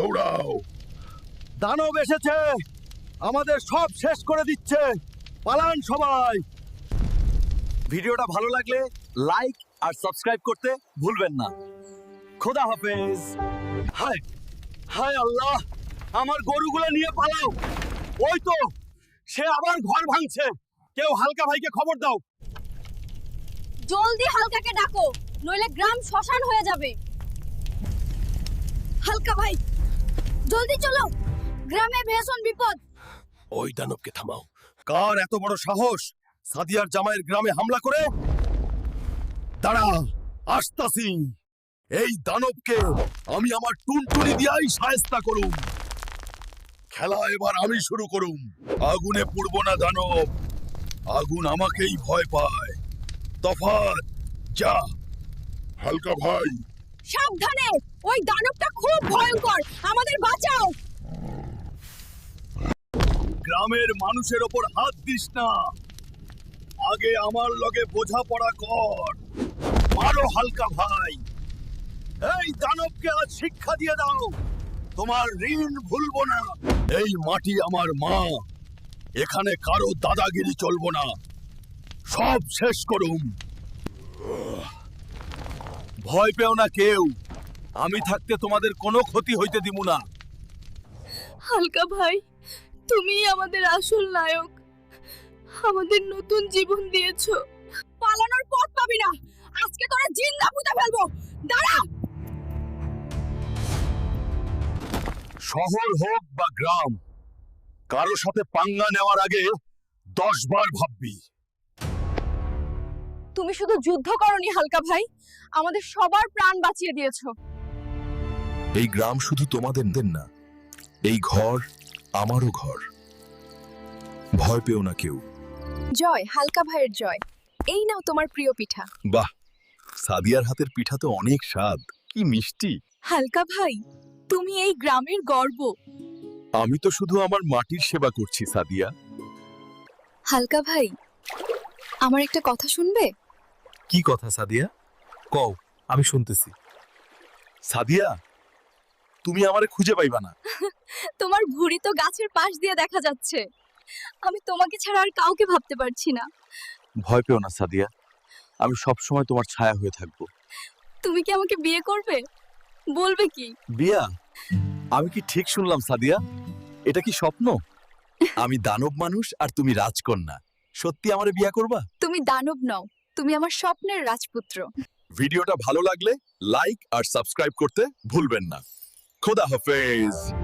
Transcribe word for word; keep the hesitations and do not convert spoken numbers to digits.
দৌড়াও। দানব এসেছে, আমাদের সব শেষ করে দিচ্ছে। পালান সবাই। ভিডিওটা ভালো লাগলে লাইক আর সাবস্ক্রাইব করতে ভুলবেন না। খোদা হাফেজ। হায় হায় আল্লাহ, আমার গরুগুলো নিয়ে পালাও। ওই তো সে আবার ঘর ভাঙছে। কেউ হালকা ভাইকে খবর দাও। জলদি হালকাকে ডাকো, নইলে গ্রাম শ্মশান হয়ে যাবে। হালকা ভাই, জলদি চলো, গ্রামে ভীষণ বিপদ। ওই দানবকে থামাও। কার এত বড় সাহস সাদিয়ার জামাইয়ের গ্রামে হামলা করে? দাঁড়া, আসতাছি। এই দানবকে আমি আমার টুনটুনি দিয়াই শায়েস্তা করুম। খেলা এবার আমি শুরু করুম। আগুনে পুড়ব না দানব, আগুন আমাকেই ভয় পায়। তফাৎ যা। হালকা ভাই, সাবধানে, ওই দানবটা খুব ভয়ঙ্কর, আমাদের বাঁচাও। গ্রামের মানুষের ওপর হাত দিস না। আগে আমার লগে বোঝাপড়া কর। মারো হালকা ভাই। এই দানবকে আজ শিক্ষা দিয়ে দাও। তোমার ঋণ ভুলবো না। এই মাটি আমার মা, এখানে কারো দাদাগিরি চলবো না। সব শেষ করুম। ভয় পেও না কেউ, আমি থাকতে তোমাদের কোনো ক্ষতি হইতে দিব না। হালকা ভাই, তুমি আমাদের আসল নায়ক, আমাদের নতুন জীবন দিয়েছো। পালানোর পথ পাবি না, আজকে তোরা জিন্দা পুঁতে ফেলবো। দাঁড়া। শহর হোক বা গ্রাম, কারো সাথে পাঙ্গা নেওয়ার আগে দশ বার ভাববি। তুমি শুধু যুদ্ধ করনি হালকা ভাই, আমাদের সবার প্রাণ বাঁচিয়ে দিয়েছো। এই গ্রাম শুধু তোমাদের দেন না, এই ঘর আমারও ঘর। ভয় পেও না কেউ। জয় হালকা ভাইয়ের জয়। এই নাও তোমার প্রিয় পিঠা। বাহ, সাদিয়ার হাতের পিঠা তো অনেক স্বাদ, কি মিষ্টি। হালকা ভাই, তুমি এই গ্রামের গর্ব। আমি তো শুধু আমার মাটির সেবা করছি সাদিয়া। হালকা ভাই, আমার একটা কথা শুনবে? কি কথা সাদিয়া? কও, আমি শুনতেছি। সাদিয়া, তুমি আমারে খুঁজে পাইবা না। তোমার ভুঁড়ি তো গাছের পাশ দিয়ে দেখা যাচ্ছে। আমি তোমাকে ছাড়া আর কাউকে ভাবতে পারছি না। ভয় পেও না সাদিয়া, আমি সব সময় তোমার ছায়া হয়ে থাকবো। তুমি কি আমাকে বিয়ে করবে? বলবে কি? বিয়া? আমি কি ঠিক শুনলাম সাদিয়া? এটা কি স্বপ্ন? আমি দানব মানুষ আর তুমি রাজকন্যা। সত্যি আমারে বিয়া করবা? তুমি দানব নও, তুমি আমার স্বপ্নের রাজপুত্র। ভিডিওটা ভালো লাগলে লাইক আর সাবস্ক্রাইব করতে ভুলবেন না। খোদা হাফেজ।